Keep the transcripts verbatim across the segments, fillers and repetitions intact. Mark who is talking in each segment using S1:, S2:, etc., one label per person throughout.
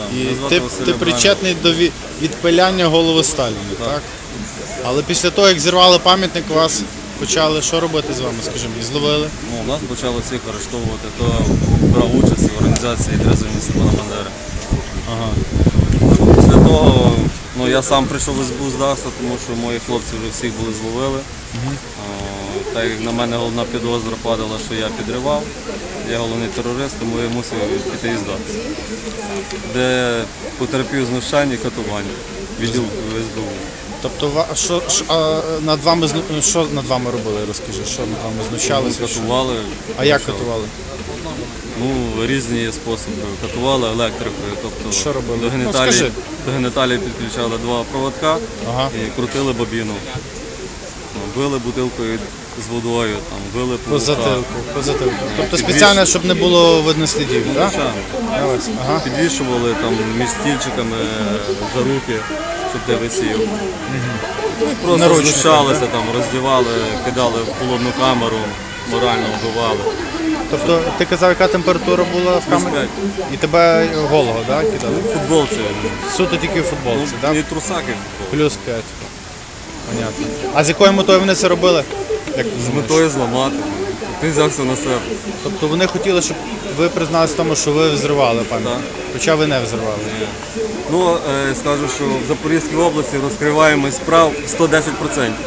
S1: сам.
S2: І
S1: Мене звати
S2: ти,
S1: Василь
S2: ти
S1: Абрамів.
S2: причетний до ві- відпиляння голови Сталіна, так.
S1: Так.
S2: Але після того, як зірвали пам'ятник, вас почали що робити з вами, скажімо, і зловили?
S1: Ну, нас почали всіх арештовувати, хто брав участь в організації «Трезвені Степана Бандери».
S2: Ага.
S1: Після того ну, я сам прийшов в ес бе у здався, тому що мої хлопці вже всіх були зловили.
S2: Угу.
S1: О, так як на мене головна підозра падала, що я підривав, я головний терорист, тому я мусив піти і здатися. Де потерпів знущання і катування відділ ес бе у.
S2: Тобто, ва- що, що, а, над вами, зну- що над вами робили, розкажи, що над вами знущалися? що?
S1: Катували.
S2: А як
S1: що?
S2: катували?
S1: Ну, різні способи. Катували електрикою, тобто
S2: Що робили?
S1: до
S2: Ну,
S1: геніталій,
S2: скажи.
S1: до геніталій підключали два проводка
S2: Ага.
S1: і крутили бобіну. Ну, били бутилкою з водою, там, били
S2: По
S1: павука.
S2: затилку, по затилку. Тобто
S1: Підвіш-
S2: спеціально, щоб не було видно слідів, так?
S1: Звичайно.
S2: Ось, ага.
S1: Підвішували там між стільчиками за руки, щоб ти висів. Просто
S2: Наручники,
S1: знущалися, там, роздівали, кидали в холодну камеру, морально вбивали.
S2: Тобто, ти казав, яка температура була в камері?
S1: п'ять.
S2: І тебе голого, так, кидали?
S1: В футболці.
S2: Суто тільки в футболці, так?
S1: І трусаки.
S2: Плюс п'ять. Понятно. А з якою метою вони це робили? Як ти
S1: З
S2: думаєш?
S1: метою зламати. Ти взявся на себе.
S2: Тобто вони хотіли, щоб ви призналися в тому, що ви взривали пам'ятник,
S1: Так.
S2: хоча ви не взривали.
S1: Ну, е, скажу, що в Запорізькій області розкриваємость справ сто десять відсотків.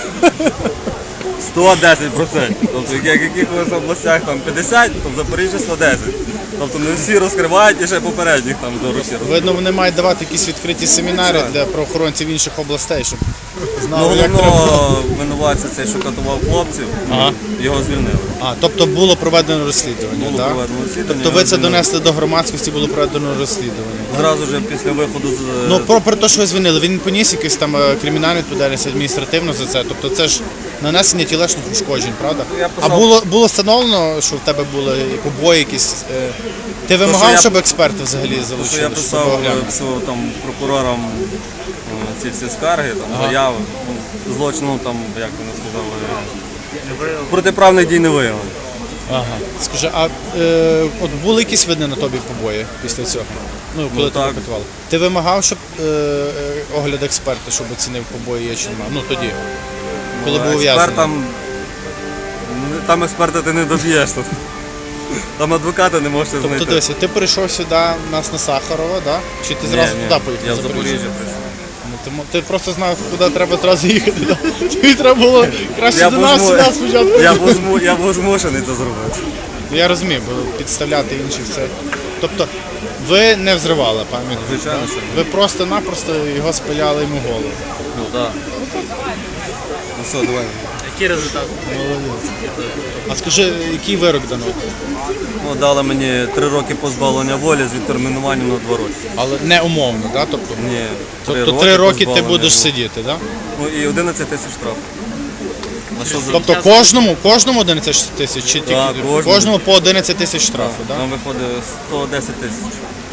S1: сто десять відсотків. Тобто, як в якихось областях там п'ятдесят, то в Запоріжжі сто десять. Тобто не всі розкривають і ще попередніх там до руки.
S2: Видно, вони мають давати якісь відкриті семінари для правоохоронців інших областей, щоб
S1: Ну,
S2: знали, як треба.
S1: головного винуватця цей, що катував хлопців,
S2: Ага.
S1: його звільнили.
S2: А, тобто було проведено розслідування,
S1: Було
S2: так?
S1: проведено розслідування,
S2: Тобто ви це
S1: звільнили.
S2: донесли до громадськості, було проведено розслідування.
S1: Зразу ж після виходу з...
S2: Ну, про, про те, що ви звільнили, він поніс якусь там е, кримінальну відповідальність адміністративну за це. Тобто це ж нанесення тілесних ушкоджень, правда?
S1: Я
S2: А
S1: писав-
S2: було, було встановлено, що в тебе були побої якісь. е, Ти вимагав,
S1: я-
S2: щоб експерти взагалі
S1: Тому
S2: залучили?
S1: що я
S2: щоб
S1: писав
S2: оглянули?
S1: все, там, прокурорам е, ці всі скарги, там, заяви, ну, злочину, там, як вони сказали, протиправних дій не виявлено.
S2: Ага. Скажи, а е, от були якісь видні на тобі побої після цього? Ну, коли
S1: Ну,
S2: тебе
S1: так.
S2: катували? Ти вимагав, щоб е, е, огляд експерта, щоб оцінив побої є чи немає? Ну тоді, коли був ув'язнений.
S1: Експертам, там експерта ти не доб'єш. Тут. Там адвоката не можеш
S2: Тобто
S1: знайти.
S2: дивися, ти прийшов сюди у нас на Сахарова, да? Чи ти зразу
S1: Ні, ні,
S2: туди поїхав?
S1: я в
S2: в Запоріжжя?
S1: Запоріжжя прийшов.
S2: Ну, ти, мо- ти просто знав, куди треба зразу їхати. Да? Тобі треба було краще
S1: Я
S2: до
S1: був
S2: нас
S1: зму-
S2: сюди спочатку.
S1: Я був, зму... я був змушений це зробити.
S2: Ну, я розумію, бо підставляти інших це. Тобто ви не взривали пам'ятник?
S1: Звичайно,
S2: да?
S1: що ні.
S2: Ви просто-напросто його спиляли йому голову.
S1: Ну так. Ну що, давай.
S3: Який результат?
S2: А скажи, який вирок дано?
S1: Ну, дали мені три роки позбавлення волі з відтермінуванням на два роки.
S2: Але не умовно, да? Тобто,
S1: Ні,
S2: тобто три роки ти
S1: позбавлення
S2: будеш
S1: волі.
S2: сидіти, да?
S1: Ну і одинадцять тисяч штрафу. На що за...
S2: Тобто кожному, кожному одинадцять тисяч чи тільки
S1: Так, кожному.
S2: кожному по одинадцять тисяч штрафу, да?
S1: Нам виходить сто десять тисяч.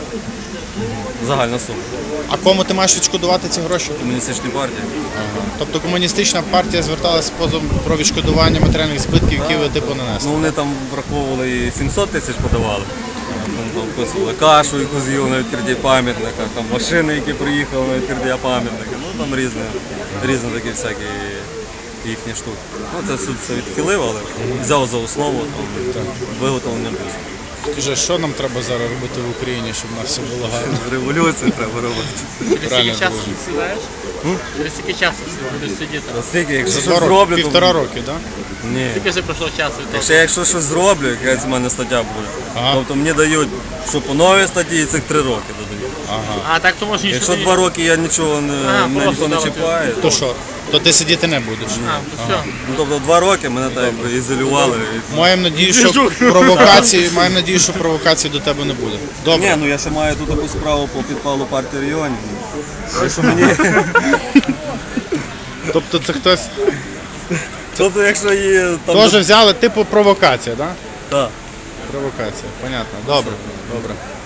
S1: Загальна сума.
S2: А кому ти маєш відшкодувати ці гроші?
S1: Комуністичні партії.
S2: Тобто комуністична партія зверталася з позовом про відшкодування матеріальних збитків, які ви типу нанесли.
S1: Ну вони там враховували і сімсот тисяч подавали. Там, там вписували кашу, яку з'їв на відкритті пам'ятника, там машини, які приїхали на відкриття пам'ятника. Ну там різні, різні такі всякі їхні штуки. Ну це суд все відхилив, але взяв за основу там, виготовлення бюсту.
S2: Скажи, що нам треба зараз робити в Україні, щоб у нас все було гарно?
S1: Революцію треба робити.
S3: Через
S2: Правильно
S3: скільки часу
S2: було.
S3: сідаєш? Через скільки часу будеш сидіти?
S1: Наскільки, якщо
S2: За
S1: щось
S2: два роки,
S1: зроблю,
S2: півтора
S1: то...
S2: роки, так?
S1: Ні.
S3: Скільки вже пройшло часу від того?
S1: Якщо я якщо щось зроблю, якась в мене стаття буде,
S2: Ага.
S1: тобто мені дають, що по новій статті і цих три роки додають.
S2: Ага.
S3: А так то можеш нічого
S1: Якщо
S3: не...
S1: два роки я нічого не,
S3: А,
S1: мене
S3: просто
S1: ніхто не
S3: давати.
S1: чіпає,
S2: То що? То ти сидіти не будеш?
S3: А, то все.
S1: ну, тобто два роки мене так якби ізолювали.
S2: Маємо надію, що провокації, маємо надію, що провокації до тебе не буде. Добре.
S1: Ні, ну я ще маю тут таку справу по підпалу партії регіонів. Так що мені...
S2: Тобто це хтось
S1: Тобто якщо її там...
S2: теж взяли, типу провокація, так?
S1: Так.
S2: Провокація, понятно. Добре, добре.